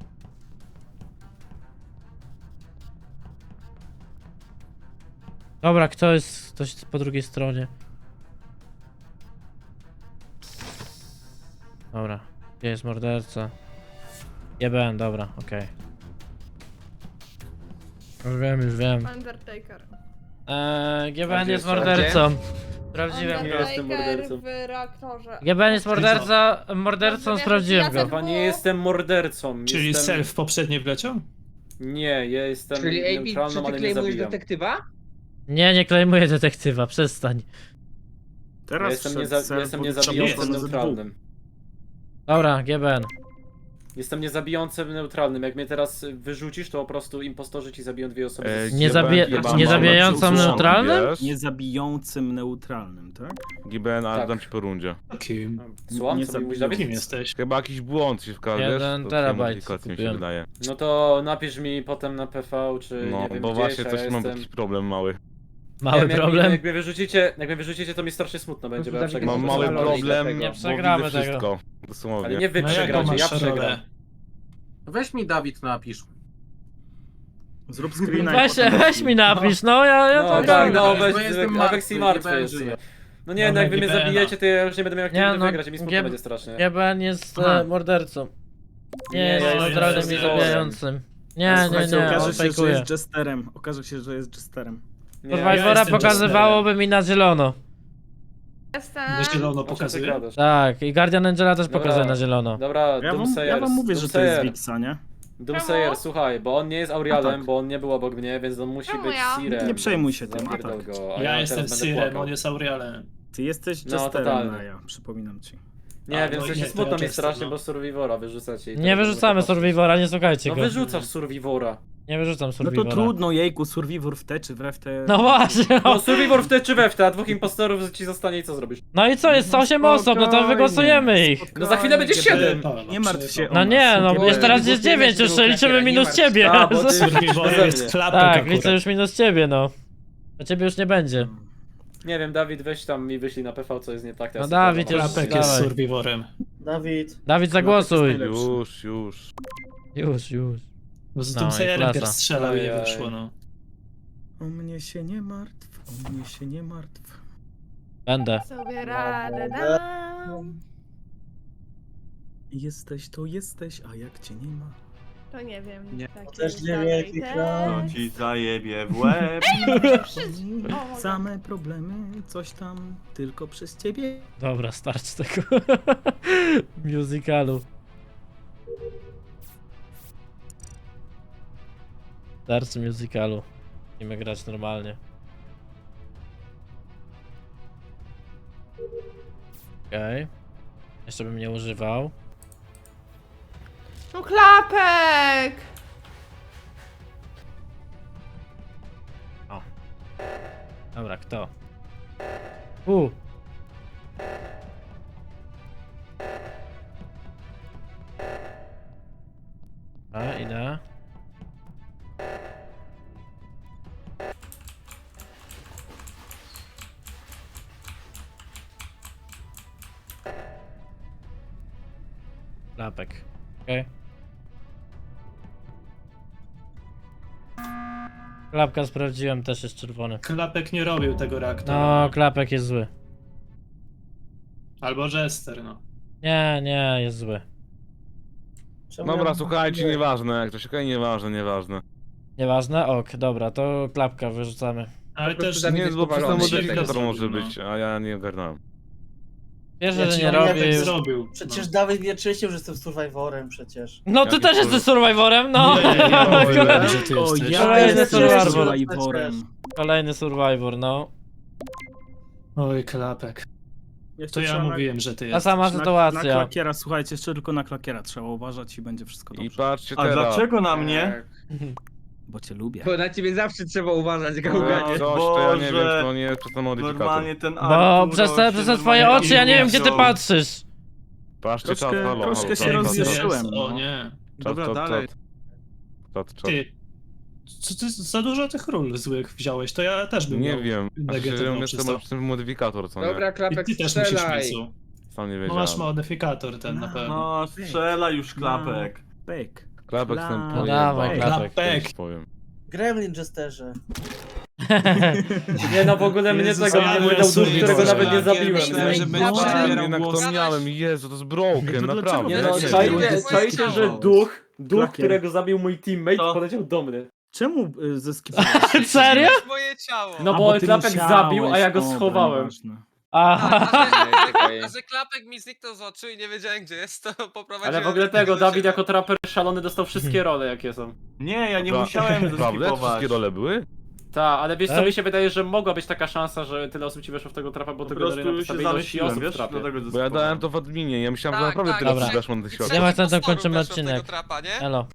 Speaker 1: Dobra, ktoś po drugiej stronie. Dobra, gdzie jest morderca? GBN, dobra, okej. Już wiem.
Speaker 9: Undertaker.
Speaker 1: GBN jest
Speaker 7: Gdzie?
Speaker 1: mordercą. Sprawdziłem go.
Speaker 13: jestem mordercą.
Speaker 9: w reaktorze.
Speaker 1: GBN jest mordercą, sprawdziłem go.
Speaker 13: Chyba nie jestem mordercą.
Speaker 2: czyli
Speaker 13: jestem...
Speaker 2: self poprzednie wleciał?
Speaker 13: Nie, ja jestem
Speaker 10: Czyli AB, czy
Speaker 13: neutralną,
Speaker 10: ty
Speaker 13: ale nie
Speaker 10: klejmujesz
Speaker 13: zabijam.
Speaker 10: detektywa?
Speaker 1: Nie klejmuję detektywa, przestań.
Speaker 4: Teraz
Speaker 13: Ja jestem,
Speaker 4: wszedł
Speaker 13: ja
Speaker 4: Self,
Speaker 13: jestem
Speaker 4: bo
Speaker 13: niezabijającym
Speaker 4: trzeba było
Speaker 13: neutralnym.
Speaker 1: Dobra, GBN.
Speaker 13: Jestem niezabijającym neutralnym. Jak mnie teraz wyrzucisz, to po prostu impostorzy ci zabiją dwie osoby.
Speaker 1: Nie zabijającą neutralnym?
Speaker 4: Niezabijącym neutralnym, tak?
Speaker 7: GBN, ale
Speaker 13: Tak.
Speaker 7: dam ci po rundzie.
Speaker 2: Kim?
Speaker 13: Słucham,
Speaker 4: Nie
Speaker 13: co mi mówisz,
Speaker 4: zabiją.
Speaker 13: Dawid?
Speaker 2: Kim jesteś?
Speaker 7: Chyba jakiś błąd się wkazujesz.
Speaker 1: 1 terabajt
Speaker 7: mi się
Speaker 1: kupiłem.
Speaker 7: wydaje.
Speaker 13: No to napisz mi potem na PV, czy
Speaker 7: No,
Speaker 13: nie wiem
Speaker 7: bo
Speaker 13: gdzieś,
Speaker 7: właśnie
Speaker 13: a
Speaker 7: coś
Speaker 13: ja
Speaker 7: mam
Speaker 13: jestem...
Speaker 7: jakiś problem mały.
Speaker 1: Mały
Speaker 13: Nie,
Speaker 1: problem.
Speaker 13: Jak mnie wyrzucicie, to mi strasznie smutno będzie, bo ja
Speaker 10: Dawid,
Speaker 13: przegram.
Speaker 7: Mam
Speaker 10: to
Speaker 7: mały
Speaker 10: jest
Speaker 7: problem,
Speaker 10: dlatego.
Speaker 1: Nie
Speaker 7: bo
Speaker 1: przegramy
Speaker 7: widzę
Speaker 1: tego.
Speaker 7: wszystko.
Speaker 13: Ale
Speaker 7: Dosłownie.
Speaker 13: nie wy
Speaker 2: No jaką
Speaker 13: przegracie, ja
Speaker 2: masz
Speaker 13: przegram.
Speaker 2: rolę?
Speaker 11: Weź mi Dawid napisz.
Speaker 4: Zrób screena
Speaker 1: Weź,
Speaker 4: i potem...
Speaker 1: weź mi napisz, no ja
Speaker 13: No
Speaker 1: to
Speaker 13: tak, no
Speaker 11: Bo
Speaker 13: weź,
Speaker 11: jestem
Speaker 13: Avex i
Speaker 11: martwy,
Speaker 13: martwy
Speaker 11: nie
Speaker 13: jest.
Speaker 11: żyję.
Speaker 13: No nie, no
Speaker 2: Dobra,
Speaker 13: jak wy mnie
Speaker 2: GBN-a.
Speaker 13: zabijecie, to ja już nie będę miał jak
Speaker 1: Nie,
Speaker 13: nigdy
Speaker 1: no,
Speaker 13: wygrać i mi smutno
Speaker 1: G-
Speaker 13: będzie strasznie.
Speaker 1: GBN jest
Speaker 4: Aha.
Speaker 1: mordercą. Nie
Speaker 13: Nie,
Speaker 1: jest
Speaker 13: ja
Speaker 1: neutralnym
Speaker 2: jestem
Speaker 1: i
Speaker 2: Jesterem.
Speaker 1: zabijającym. Nie,
Speaker 4: Słuchajcie,
Speaker 1: on
Speaker 4: okaże się, że
Speaker 1: fejkuje.
Speaker 4: jest Jesterem. Okaże się, że jest Jesterem.
Speaker 13: Nie,
Speaker 1: Survivora
Speaker 2: jestem
Speaker 1: pokazywałoby mi na zielono.
Speaker 9: Jestem.
Speaker 2: Bo zielono
Speaker 13: O czym ty
Speaker 2: pokazuje.
Speaker 13: gadasz?
Speaker 1: Tak, i Guardian Angela też
Speaker 13: Dobra.
Speaker 1: pokazuje na zielono.
Speaker 13: Dobra,
Speaker 4: Ja wam mówię, że to jest Wixa, nie?
Speaker 13: Doomsayer,
Speaker 9: Czemu?
Speaker 13: słuchaj, bo on nie jest Aurialem,
Speaker 4: A tak.
Speaker 13: bo on nie był obok mnie, więc on musi
Speaker 9: Czemu
Speaker 13: być
Speaker 9: ja?
Speaker 13: Sirem.
Speaker 4: Nie przejmuj się tym, a
Speaker 13: Zapierdol
Speaker 4: tak.
Speaker 13: go, a
Speaker 2: Ja
Speaker 13: teraz
Speaker 2: jestem
Speaker 13: będę
Speaker 2: Sirem,
Speaker 13: płakał.
Speaker 2: on jest Aurialem.
Speaker 4: Ty jesteś
Speaker 13: No,
Speaker 4: Jesterem,
Speaker 13: totalnie.
Speaker 4: Naja, przypominam ci.
Speaker 13: Nie wiem,
Speaker 2: no
Speaker 13: w
Speaker 2: nie,
Speaker 13: sensie
Speaker 2: to
Speaker 13: smutno mi
Speaker 2: Chester,
Speaker 13: strasznie,
Speaker 2: no.
Speaker 13: bo Survivora wyrzucacie. i
Speaker 1: Nie
Speaker 13: tego
Speaker 1: wyrzucamy
Speaker 13: patrzeć.
Speaker 1: Survivora, nie słuchajcie
Speaker 13: No
Speaker 1: go.
Speaker 13: wyrzucasz Survivora.
Speaker 1: Nie wyrzucam
Speaker 4: No
Speaker 1: Survivora.
Speaker 4: to trudno, jejku, Survivor w te czy we w te.
Speaker 1: No właśnie,
Speaker 13: No Survivor w te czy we w te, a 2 impostorów ci zostanie i co zrobisz?
Speaker 1: no i co, jest 8 osób, no to wygłosujemy ich.
Speaker 13: No za chwilę będzie 7.
Speaker 4: Nie martw się o
Speaker 1: No
Speaker 4: nas.
Speaker 1: nie, no
Speaker 10: Bo-
Speaker 1: jest teraz jest 9, już
Speaker 10: nie
Speaker 1: liczymy
Speaker 10: martw
Speaker 1: minus
Speaker 10: się.
Speaker 1: ciebie.
Speaker 13: A, bo ty-
Speaker 2: Survivorem jest klapek
Speaker 1: Tak,
Speaker 2: akurat.
Speaker 1: liczę już minus ciebie, no. A ciebie już nie będzie.
Speaker 13: Nie wiem, Dawid, weź tam mi wyślij na PV, co jest nie tak.
Speaker 1: No Dawid już-
Speaker 2: Klapek jest
Speaker 1: Dawaj.
Speaker 2: Survivorem.
Speaker 1: Dawid, zagłosuj.
Speaker 7: Już.
Speaker 1: Już.
Speaker 2: Bo z
Speaker 1: No
Speaker 2: tym
Speaker 1: i
Speaker 2: Sajerem
Speaker 1: klasa.
Speaker 2: pierw strzelał i nie
Speaker 13: Ojej.
Speaker 2: wyszło, no.
Speaker 4: O mnie się nie martw, o mnie się nie martw.
Speaker 1: Będę.
Speaker 9: Sobie radę dam.
Speaker 4: Jesteś to jesteś, a jak cię nie ma.
Speaker 9: To nie wiem.
Speaker 6: Nie.
Speaker 9: Tak
Speaker 11: Też
Speaker 9: jest
Speaker 11: nie wiem,
Speaker 9: dalej
Speaker 11: jaki
Speaker 9: tekst.
Speaker 12: To ci zajebie w łeb.
Speaker 9: O,
Speaker 4: Same problemy, coś tam, tylko przez ciebie.
Speaker 1: Dobra, starczy tego musicalu. Starczy musicalu. Musimy grać normalnie. Okej. Jeszcze bym nie używał.
Speaker 9: No klapek!
Speaker 1: Dobra, kto? A, idę. Klapek. Okej. Klapka sprawdziłem, też jest czerwony.
Speaker 2: Klapek nie robił tego reaktora.
Speaker 1: No, klapek jest zły.
Speaker 2: Albo Jester, no.
Speaker 1: Nie, jest zły.
Speaker 7: Dobra, słuchajcie, nieważne, jak to się okej, nieważne.
Speaker 1: Nieważne? Ok, dobra, to klapka wyrzucamy.
Speaker 2: Ale
Speaker 10: Po prostu
Speaker 2: też
Speaker 7: Nie, bo przez ten
Speaker 2: powalony.
Speaker 7: modyfikator
Speaker 2: Tego
Speaker 7: może
Speaker 2: zrobił,
Speaker 7: być, a ja nie ogarnąłem.
Speaker 1: Wierzę,
Speaker 2: Ja
Speaker 1: że
Speaker 2: ci
Speaker 1: nie
Speaker 2: powiem,
Speaker 1: robi.
Speaker 2: jak zrobił.
Speaker 11: Przecież Dawid nie czyścił, że jestem Survivorem przecież.
Speaker 1: No ty
Speaker 7: Jaki
Speaker 1: też jesteś survivorem, no!
Speaker 2: Nie, ja mówiłem, że ty
Speaker 4: O,
Speaker 2: jesteś.
Speaker 4: ja
Speaker 1: Kolejny
Speaker 4: jestem
Speaker 1: Survivor.
Speaker 4: Survivorem.
Speaker 1: Kolejny survivor, no.
Speaker 2: Oj, klapek.
Speaker 4: Jeszcze
Speaker 2: To ja
Speaker 4: trzeba na-
Speaker 2: mówiłem, że ty
Speaker 1: Ta
Speaker 2: jesteś.
Speaker 1: sama
Speaker 4: Na
Speaker 1: sytuacja.
Speaker 4: klakiera, słuchajcie, jeszcze tylko na klakiera trzeba uważać i będzie wszystko
Speaker 7: I
Speaker 4: dobrze.
Speaker 7: patrzcie
Speaker 12: A
Speaker 7: teraz.
Speaker 12: dlaczego na mnie?
Speaker 4: Bo cię lubię.
Speaker 10: Bo na ciebie zawsze trzeba uważać,
Speaker 12: No,
Speaker 10: gałganie.
Speaker 7: Coś, to ja nie wiem,
Speaker 12: Boże.
Speaker 7: czy to nie jest przez ten modyfikator.
Speaker 12: Normalnie ten
Speaker 1: Bo
Speaker 12: Arturo
Speaker 1: przez te
Speaker 12: się
Speaker 1: twoje
Speaker 12: normalnie
Speaker 1: oczy ja nie wiem gdzie ty
Speaker 12: wziął.
Speaker 1: patrzysz.
Speaker 7: Patrzcie czat, halo,
Speaker 4: troszkę się
Speaker 7: czat,
Speaker 4: rozjuszyłem.
Speaker 2: Jest, o nie.
Speaker 6: Dobra,
Speaker 7: czat,
Speaker 6: dalej.
Speaker 7: Czat.
Speaker 2: Ty. Co ty za dużo tych ról złych wziąłeś, to ja też bym
Speaker 7: Nie
Speaker 2: miał
Speaker 7: wiem, a szczerze
Speaker 2: negatywną
Speaker 7: mówiąc,
Speaker 2: przez
Speaker 7: to
Speaker 2: to.
Speaker 7: przez ten modyfikator, co nie?
Speaker 10: Dobra,
Speaker 2: I
Speaker 10: klapek,
Speaker 2: ty też musisz
Speaker 10: strzelaj.
Speaker 2: mieć.
Speaker 7: Sam nie
Speaker 2: No
Speaker 7: wiedziałem.
Speaker 2: masz modyfikator ten na pewno.
Speaker 12: No, strzela już klapek.
Speaker 4: Pek.
Speaker 7: Klapek ten
Speaker 1: No dawaj,
Speaker 7: pojebany,
Speaker 2: klapek.
Speaker 7: coś powiem.
Speaker 11: Gremlin Jesterze.
Speaker 13: Nie no, w ogóle mnie
Speaker 2: Jezus,
Speaker 13: tego nie
Speaker 2: ale
Speaker 13: wydał duch,
Speaker 2: sobie
Speaker 13: którego
Speaker 2: Boże.
Speaker 13: nawet nie zabiłem.
Speaker 6: Myślałem, że będzie
Speaker 8: Dobra.
Speaker 6: zabierał
Speaker 7: Jednak
Speaker 6: głos.
Speaker 7: to miałem, Jezu, to jest broken,
Speaker 4: No to
Speaker 7: naprawdę.
Speaker 13: Nie
Speaker 4: dlaczego?
Speaker 13: no,
Speaker 4: Nie,
Speaker 13: czajcie, że duch,
Speaker 4: Klakier.
Speaker 13: którego zabił mój teammate,
Speaker 12: Co?
Speaker 13: poleciał do mnie.
Speaker 4: Czemu zeskipowałeś?
Speaker 1: Serio?
Speaker 8: Moje ciało.
Speaker 13: No
Speaker 4: A,
Speaker 13: bo
Speaker 4: ty
Speaker 13: klapek
Speaker 4: musiałeś.
Speaker 13: zabił, a ja go
Speaker 4: Dobra,
Speaker 13: schowałem.
Speaker 4: nieważne.
Speaker 1: Aha.
Speaker 10: Czekaj.
Speaker 8: A że klapek mi zniknął z oczu i nie wiedziałem gdzie jest, to poprowadziłem...
Speaker 13: Ale w ogóle tego, Dawid jako traper szalony dostał wszystkie role jakie są.
Speaker 12: Nie, ja nie
Speaker 7: Pra-
Speaker 12: musiałem
Speaker 7: Prawda?
Speaker 12: zeskipować.
Speaker 7: Wszystkie role były?
Speaker 13: Tak, ale wiesz co,
Speaker 1: Tak?
Speaker 13: mi się wydaje, że mogła być taka szansa, że tyle osób ci weszło w tego trapa, bo
Speaker 12: Po
Speaker 13: to generuje na
Speaker 12: prostu się
Speaker 13: podstawie ilości
Speaker 12: zamyśliłem,
Speaker 13: osób w
Speaker 12: wiesz?
Speaker 13: trapie.
Speaker 12: Dlatego
Speaker 7: Bo ja
Speaker 12: zeskipowałem.
Speaker 7: dałem to w adminie, ja myślałem, że
Speaker 8: Tak,
Speaker 7: naprawdę
Speaker 8: tak,
Speaker 7: tyle
Speaker 1: dobra.
Speaker 7: osób weszło na tych
Speaker 8: I
Speaker 7: światło.
Speaker 8: trzech
Speaker 1: Nie ma sensu,
Speaker 8: impostorów
Speaker 1: kończymy
Speaker 8: weszło w tego
Speaker 1: odcinek.
Speaker 8: trapa, nie?
Speaker 1: Elo.